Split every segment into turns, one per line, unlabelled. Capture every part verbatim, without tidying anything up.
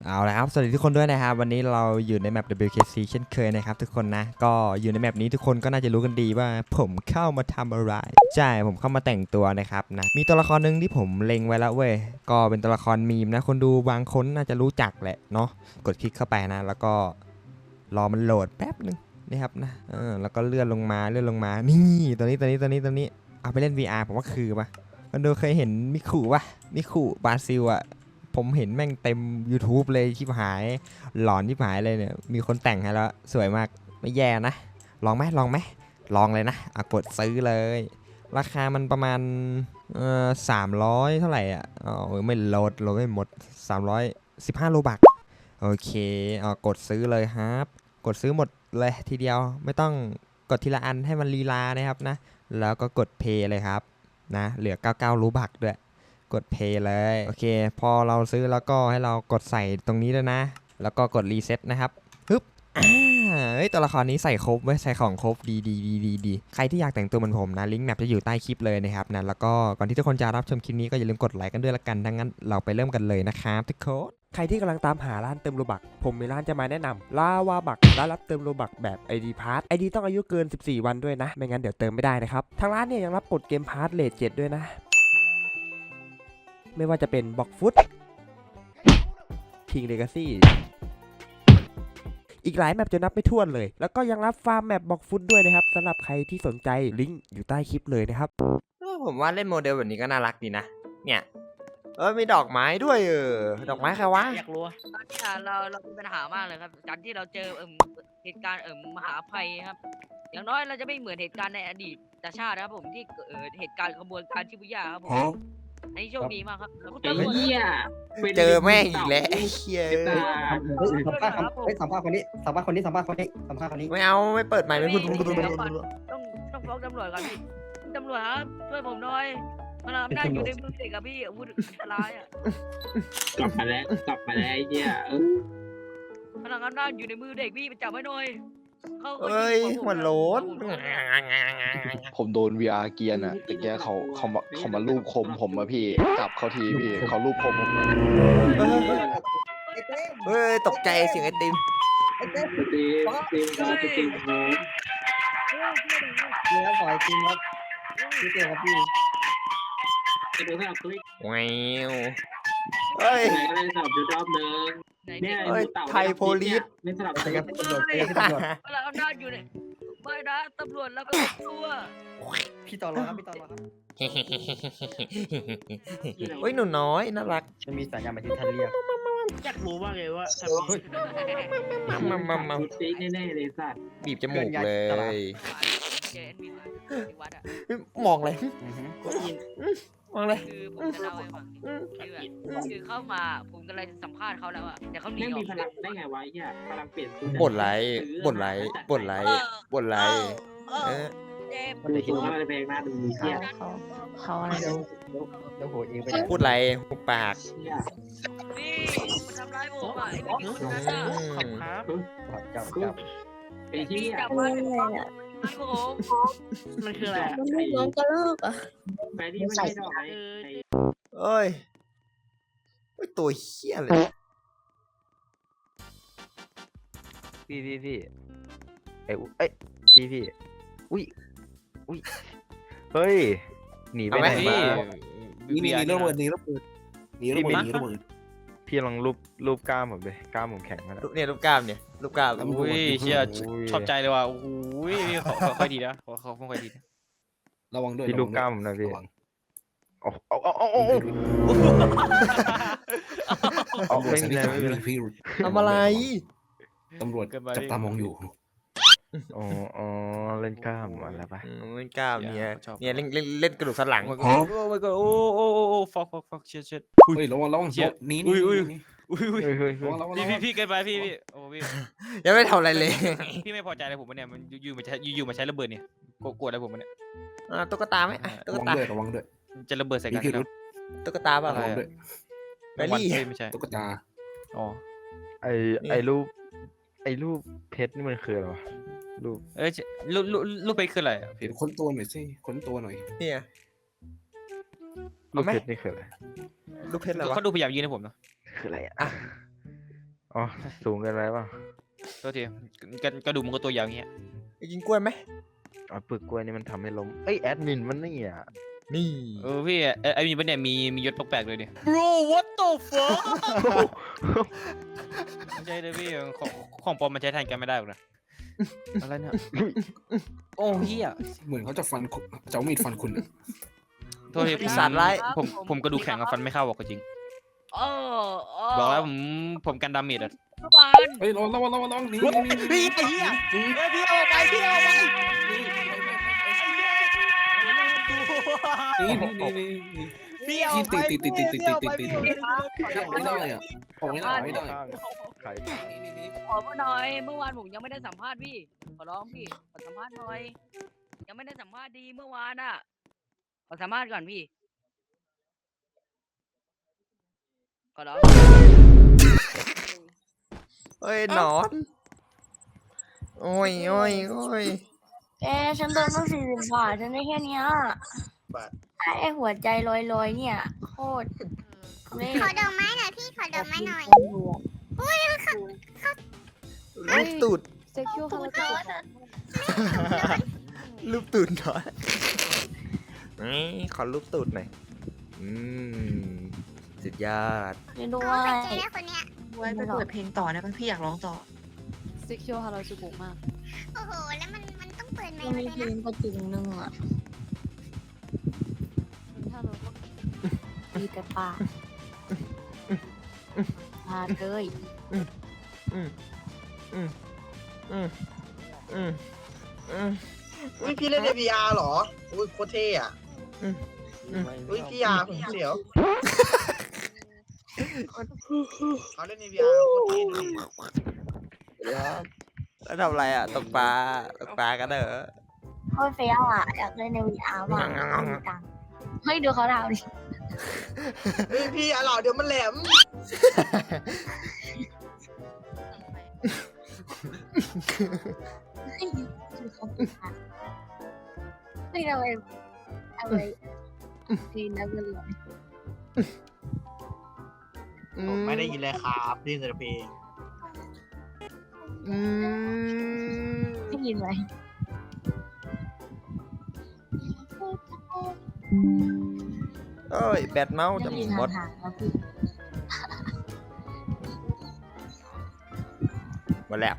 เอาละครับสวัสดีทุกคนด้วยนะครับวันนี้เราอยู่ในแมป ดับเบิลยู เค ซี เช่นเคยนะครับทุกคนนะก็อยู่ในแมปนี้ทุกคนก็น่าจะรู้กันดีว่าผมเข้ามาทำอะไรใช่ผมเข้ามาแต่งตัวนะครับนะมีตัวละครหนึ่งที่ผมเล็งไว้แล้วเว้ยก็เป็นตัวละครมีมนะคนดูบางคนน่าจะรู้จักแหละเนาะกดคลิกเข้าไปนะแล้วก็รอมันโหลดแป๊บนึงนี่ครับนะเออแล้วก็เลื่อนลงมาเลื่อนลงมานี่ตัวนี้ตัวนี้ตัวนี้ตัวนี้เอาไปเล่น วี อาร์ ผมว่าคือปะคนดูเคยเห็นมิคุปะมิคุบราซิลอะผมเห็นแม่งเต็ม YouTube เลยชิบหายหลอนชิบหายเลยเนี่ยมีคนแต่งให้แล้วสวยมากไม่แย่นะลองไหมลองไหมลองเลยนะอ่ะกดซื้อเลยราคามันประมาณเอ่อสามร้อยเท่าไหร่อ่ะอ๋อไม่โหลดโหลดไม่หมดสามร้อยสิบห้าโลบักโอเคอ่ากดซื้อเลยครับกดซื้อหมดเลยทีเดียวไม่ต้องกดทีละอันให้มันลีลานะครับนะแล้วก็กดเพย์เลยครับนะเหลือเก้าสิบเก้าโลบักด้วยกด Pay เลยโอเคพอเราซื้อแล้วก็ให้เรากดใส่ตรงนี้ด้วยนะแล้วก็กดรีเซ็ตนะครับปึ๊บอ่าเฮ้ยตัวละครนี้ใส่ครบเว้ยใส่ของครบดีดีดีดีดีใครที่อยากแต่งตัวเหมือนผมนะลิงก์แมปจะอยู่ใต้คลิปเลยนะครับนะแล้วก็ก่อนที่ทุกคนจะรับชมคลิปนี้ก็อย่าลืมกดไลค์กันด้วยละกันดังนั้นเราไปเริ่มกันเลยนะครับทุกคนใครที่กำลังตามหาร้านเติมโลบักผมมีร้านจะมาแนะนำลาวาบักร้านรับเติมโลบักแบบ ไอ ดี Pass ไอ ดี ต้องอายุเกินสิบสี่วันด้วยนะไม่งั้นเดี๋ยวเติมไม่ได้นะครับทางร้านเนี่ยยังรับกดเกมพาร์ทเลทเจ็ดด้วยนะไม่ว่าจะเป็นบ็อกฟุตคิงเลกาซี่อีกหลายแมปจะนับไม่ถ้วนเลย แล้วก็ยังรับฟาร์มแมปบ็อกฟุตด้วยนะครับสำหรับใครที่สนใจลิงก์อยู่ใต้คลิปเลยนะครับผมว่าเล่นโมเดลแบบนี้ก็น่ารักดีนะเนี่ยเออมีดอกไม้ด้วยเออดอกไม้ใครวะ
อยากรู้ตอนนี้เราเรามีปัญหามากเลยครับการที่เราเจอเอ่มเหตุการณ์เอ่มมหาภัยครับ อย่างน้อยเราจะไม่เหมือนเหตุการณ์ในอดีตชาตินะครับผมที่เอ่อเหตุการณ์ขบวนการชิบุย่าครับผมอันนี้โชคดีมากครับแล้วคุณ
ไอ้
ตำรวจ
เหี้ย
เจอแม่งอีกแล้วไอ้เฮีย
เฮ้ย
เฮ้ยสัมภาษณ์ครับเฮ้ยสัมภาษณ์คนนี้สัมภาษณ์คนนี้สัมภาษณ์คนนี้สัมภาษณ์คนนี้
ไม่เอาไม่เปิดใหม่ไม่พูด
เดี๋ยวก่อนต้องต้องฟ้องตำรวจก่อนพี่คุณตำรวจครับช่วยผมหน่อยมันอำนาจอยู่ในมือเด็กครับพี่อาวุธอันตรายอ่ะ
กลับมาแล้วกลับมาแล้วไอ้เหี้ยเออ
พลังอำนาจอยู่ในมือเด็กพี่ไปจับไว้หน่อยเขา
เอ้ยหัวโล้น
ผมโดน วี อาร์ เกียร์น่ะแต่แกเขาเขามาเขามาลูบคมผมอะพี่จับเขาทีพี่เขาลูบคมผม
เฮ้ยตกใจเสียงไอติม
ไอ้เต้
สตรีมสตรีมครับสตรีมโฮม
นี่ครับขอไอติมครับพี่เต้ครับพี่
จะดูให้เราคลิก
แววเฮ้ย
ไหนอะไรสลับอยู่รอบนึง
ไหน
เนี่
เด็
ย
ก
เฮ้ยไทยโพลีส
ไม่สลับ
ไป
กัน
ครับตำรวจไปครับตำรวจ
พลังอำนาจอยู่ในไม่นะตำรวจแล้วก็ตัว
พี่ต่อรอครับพี่ต่อรอครับ
เฮ้ยหนูน้อยน่ารัก
มันมีสัญญาณมาที่ท่านเรียก
อยากรู้มากเลยว่าทำไม
มามามามา
ดูซีแน่ๆเลยสัตว์
บีบจมูกเลย
เจนมีที่วัดอ่ะ
มองเลย
อือฮึ
มองเลย
คือผมจะเล่าให้ฟังคือแบบคือเข้ามาผมกำลังสัมภาษณ์เขาแล้วอ่ะแต่เขาหนี
แม่ง
ออ
มี
ก
พลังได้ไงวะไอ้เหี้ยพลังเปลี่ยนสูต
บ่นไรบ่นไรบ่นไรบ่นไรเออ
เจ็บ
มันเลยคิดว่าอะไรแพงหน้าดูเหี้ย
เขาเขาอะไร
เดี๋ยวเดี๋ยวเดี๋ยวโหเองไปไหน
พูดไรหุบปาก
เหี้ย
นี่มันทำร้ายผมอ่ะไอ้ผู้หญิงคนนั้นอ่ะ
ครับจับจับ
ไอ้เหี้
พี่
ย
จับ
อะไร
มัน
อ่ะ
ไอ้ผม
มันคืออะไร
มันลูกน้องกระลอกอ่ะ
แฟรี่ไม่ใช่ดอกไม้
เอ้ยเฮ้ยตัวเฮี้ยเลย
พี่พี่พี่เอ้ยเอ้ยพี่พี่อุ้ยอุ้ยเฮ้ยหนีไป
เอา
ไห
ไห
น
ม
มา
นี่นี่นี่ระเบิดนี่ระเบิดนี่ระเบิดนี่ระเบิด
พี่ลองรูปรูปกล้ามผมดิกล้ามผมแข็งขนาด
รูปเนี่ยรูปกล้ามเนี่ยรูปกล้าม
อุ้
อุ้ยเชีย
โอ้ย
ชอบใจเลยว่ะโอ้โหพี่เขาเขาค่อยดีนะเขาเขาค่อยดีนะ
ระวังด้วย
พี่รูปกล้ามผมหน่อยพี่
ระวัง
เอาเอาเอาเอาเอาเอาไม่เป็นไรไม่เป็นไร
พี่
ทำอะไร
ตำรวจจับตามองอยู่
อ๋ออ๋อเล่นกล้ามอะไรปะ
อืมเล่นกล้ามเนี่ยเนี่ยเล่นเล่นเล่นกระดูกสันหลัง
โอ้ยโอ้ยโอ้โอ้โอ้โอ้ฟอกฟอกฟอกเชียเชีย
เฮ้ยระวังระวัง
เชี่ย
นี่
อุ้
นี่
ยอุ้ย
นี่
อุ้ยอุ้ย
เฮ้ยเฮ้ยเฮ้
ระ
ย
วังระวัง
พี่พี่พี่เกินไปพี่พี่โอ้พี่
ยังไม่ทำอะไรเลย
พี่ไม่พอใจอะไรผมปะเนี่ยมันอยู่ๆมาใช้อยู่ๆมาใช้ระเบิดเนี่ยโกรธอะไรผมปะเนี่ย
อ่าตุ๊กตาไหมอ่ะตุ๊
ระ
ก
วัง
ตา
ด้วยระวังด้วย
จะระเบิดใส่
มี
กัน
พิ
ค
รุ
รับ
ธ
ตุ๊กตาเปล่า
ระวังด้วย
แบลลี่
เฮ้ยไม่ใช่
ตุ๊กตา
อ๋อ
ไอไอรูปไอรูปเพชรนี่มันคืออะไรวะรูป
เอ้ยลูกลูกลูกไปคืออะไรอะพี่
ค้นตัวหน่อยสิค้นตัวหน่อย
เนี่ย
รูปเพชรนี่คืออะไร
รูปเพชรอะไรวะ
เขาดูพยายามยืนให้ผมเนาะ
คืออะไรอ่ะอ๋อสูงเกินไปป่ะ
โทษทีกระกระดูกมันก็ตัวยาวอย่างเงี้ย
ไปกินกล้วยไหม
อ๋อปึกกล้วยนี่มันทำให้ล้มเอ้ยแอดมินมันนี่อ่ะ
นี่
เออพี่ไอ้ไอ้มีปะเนี่ยมีมียศแปลกๆเลยเนี่ย bro what the fuck ไม่ใช่เลยพี่ของของปลอมมันใช้แทนกันไม่ได้หรอกนะอะไรเนี่ยโอ้เฮีย
เหมือนเขาจะฟันคุณจะเอามีดฟันคุณอะ
โทษที
ปีศาจร้าย
ผมผมกระดูกแข็งกับฟันไม่เข้าบอกจริง
โอ้โอ้
บอกแล้วผมผมกันดาเมจอะ
เมื่อวาน
เฮ้ยระวังระวังระวังระวังหนี่นี่
พี่ไอ้เหี้ยพี่เอาไปพี่เอาไป
นี่นี่นี่นี่
พี่เอา
ติด
ไป
ติดติดติดติดติดติดติด
พี่ครับ
ไม่ได้อะผมไม่ได้ไม่ได้
ใคร
ขอมาหน่อยเมื่อวานผมยังไม่ได้สัมภาษณ์พี่ขอร้องพี่ขอสัมภาษณ์หน่อยยังไม่ได้สัมภาษณ์ดีเมื่อวานอ่ะขอสัมภาษณ์ก่อนพี่ขอร้อง
เฮ้ยหนอน โอ้ยโอ้ยโอ้ย
แกฉันโดนตั้งสี่สิบบาทฉันได้แค่เนี้ยไอ้หัวใจลอยๆเนี่ย โคตรเล่
ขอดอกไม้หน่อยพี่ขอดอกไม้หน่อย
ลูกตูด
เซ็กชวลเขาจะ
ลูกตูดหน่อยนี่ขอลูกตูดหน่อย อืม สุดยอด
ไม่ด้ว
โอ้
ย
ใครเจอแล้วคนเนี้ย
ไว้ไปเปิดเพลงต่อนะพี่อยากร้องต่อเซ็กชวลฮาราจูกุมาก
โอ้โหแล้วมันมันต้องเปิดไม
มัน
ค์
มี
ด้วย
เพล
นะ
งประจุหนึ่งอ่ะมีแต่ปากมาเลย
อืมอืมอืมอืมอืมอืม
อุ้ยพี่เล่นใน วี อาร์ เหรอ อุ้ยโคตรเท่อะ
อืมอืม
อุ้ยพี่ยาผมเสียวเขาเล่นใน วี อาร์ โคตรเท่ดูดิ
แล้วทำอะไรอ่ะ ตกปลา ตกปลากันเหรอ
โคตรเฟี้ยวอ่ะอยากเล่นใน วี อาร์ ว่ะไม่มีตังค์เฮ้ยดูเขาทำดิ
เฮ้ยพี่อย่าเหล่าเดี๋ยวมันแหลม
ดูเขาปิดอ่ะเฮ้ยทำไมทำไมดีนะเพื่อนเลย
ผมไม่ได้ยินเลยครับได้ยินแต่เพลง
อืม
ได้ยินไหม
เอ้ย แบตเมาส์จะมีมด
ห่างๆแล้วพี่
หมดแล้ว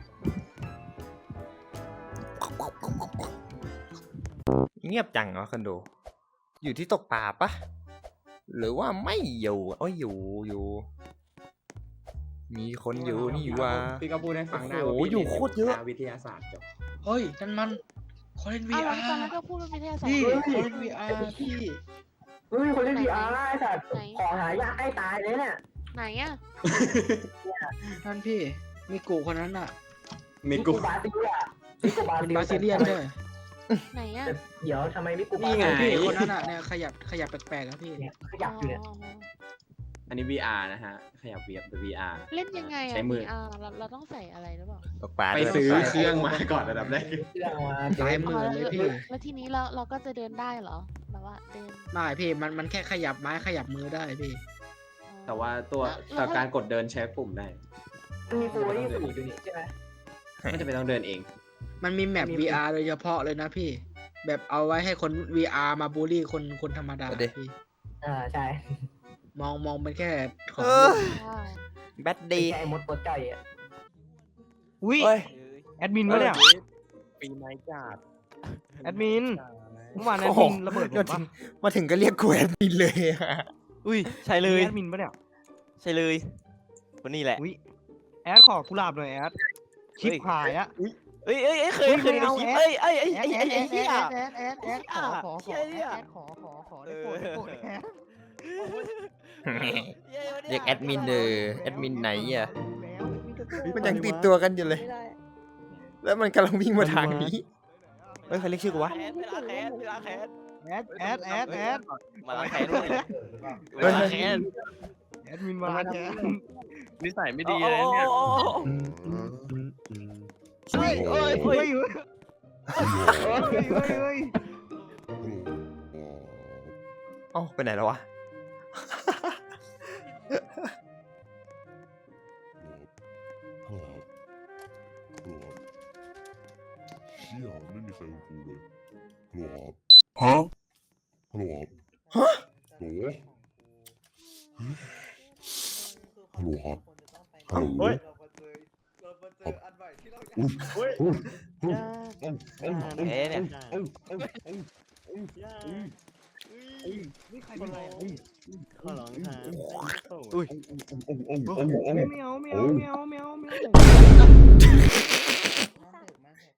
เงียบจังเหรอคนดู อยู่ที่ตกปลาปะ หรือว่าไม่อยู่โอ้ยอยู่อยู่ มีคนอยู่นี่ว่า
พี่ก็พูดให้ฟังได้
โอ้
ว่า
โหอยู่โคตรเยอะ
วิทยาศาสตร์จบ
เฮ้ยนั่นมันคอเล่น วี
อ้าว
อา
แล้วตอนนั้น
ร์
ก็พูดว่าวิทยาศาสต
พี่
ร์
คอเล่น วี อาร์ พี่
เฮ้ยคนเล่น วี อาร์ ไอ้สัตว์
ไหน
ของหายากใกล้ตายเลยเนี่ย
ไหนอ่ะ
นั่นพี่มีกูคนนั้นอ่ะ
มี
มิ
กู
กูบาซิเลียมิกูบา
เป็นบาซิเลียนด้วย
ไหนอ่ะ
เดี๋ยวทำไมมิกูบา
นี่ไง
พี่คนนั้นอ่ะเนี่ยขยับขยับแปลกๆครับพี่
เนี่ยขยับอยู่เนี่ย
อันนี้ วี อาร์ นะฮะ ขยับเวียบเป็น วี อาร์
เล่นยังไง
ใช้
อ่ะ
มือ
อ่าเราเราต้องใส่อะไรหรือเปล่า
ตกปลา
ไป
ด้วย
ซื้อ
ตกปลา
เครื่องมาก่อนระดับแรก
เครื่องมา
หลายหมื่นเลยพี่
แล้วทีนี้เราเราก็จะเดินได้เหรอแบบว่าเดิน
ไม่พี่มันมันแค่ขยับไม้ขยับมือได้พี่
อ๋อ
แต่ว่าตัว
แล้ว
ต่อการกดเดินใช้ปุ่มได้
มีฟูนี่สูงอยู่นี่ใช่ไหม
ไม่จำเป็นต้องเดินเอง
มันมีแมป วี อาร์ โดยเฉพาะเลยนะพี่ แบบเอาไว้ให้คน วี อาร์ มาบูลลี่คนคนธรรมดาพี่
อ่าใช่
มองมองเป็นแค่ของ
เออ
ว้าว
แบต
ดี
ดี
ไอ้มดตัวใจอ่ะ
อุ้ย
เฮ้ย
แอดมินวะเนี่ย
ปีไม้จัด
แอดมินเมื่อวานแอ
โอ้
ด
โห
มินระเบิดผม
มาถึ
ปะ
งมาถึงก็เรียกกูแอดมินเลยอะ
อุ้ยใช่เลย
แอดมินปะเนี่ย
ใช่เลยคนนี้แหละ
อุ้ยแอดขอกุหลาบหน่อยแอดชิปหายอะ
เอ้ยเอ้ยเอ้ยเคย
เฮ้ย
เคยดูใน
ไม่เอา
คลิป
แอด
เอ้ยเอ้ยเอ้ย
แอ
ไอ้
ด
ไอ้
แอ
ไอ้
ด
เหี้ย
แอดแอดแอดขอขอขอแอดขอขอขอได้โปรดได้โปรดแอด
เรียกแอดมินเออแอดมินไหนอ่ะ
แล้ว
มันยังติดตัวกันอยู่เลย
ไม่ได้
แล้วมันกำลังวิ่งมาทางนี้ เฮ้ยใครเรียกชื่อกูวะ
แคนเวลาแคนเวลาแคน
แอดแอดแอดแอด
มาล้างแคนด้วยเวลาแคน
แอดมินมาแทน
นิสัยไม่ดี
โอ้
เลย
โห
เนี่ย
เฮ้ยเฮ้ยเฮ้ยเฮ้ยเฮ้ย
เอ้าไปไหนแล้ววะ
เชี่ยไม่มีใครคุยเลยฮัลโหลครับฮัลโหลครับฮัลโหลฮัลโหลครับฮัลโหล
เฮ้ย
อุ้ย
เฮ้ย
อุ้ย
เอ๊ะเนี่ย
ขอร้องครับ
อุ้ย
ไม่เอาไม่เอาไม่เอาไม่เอา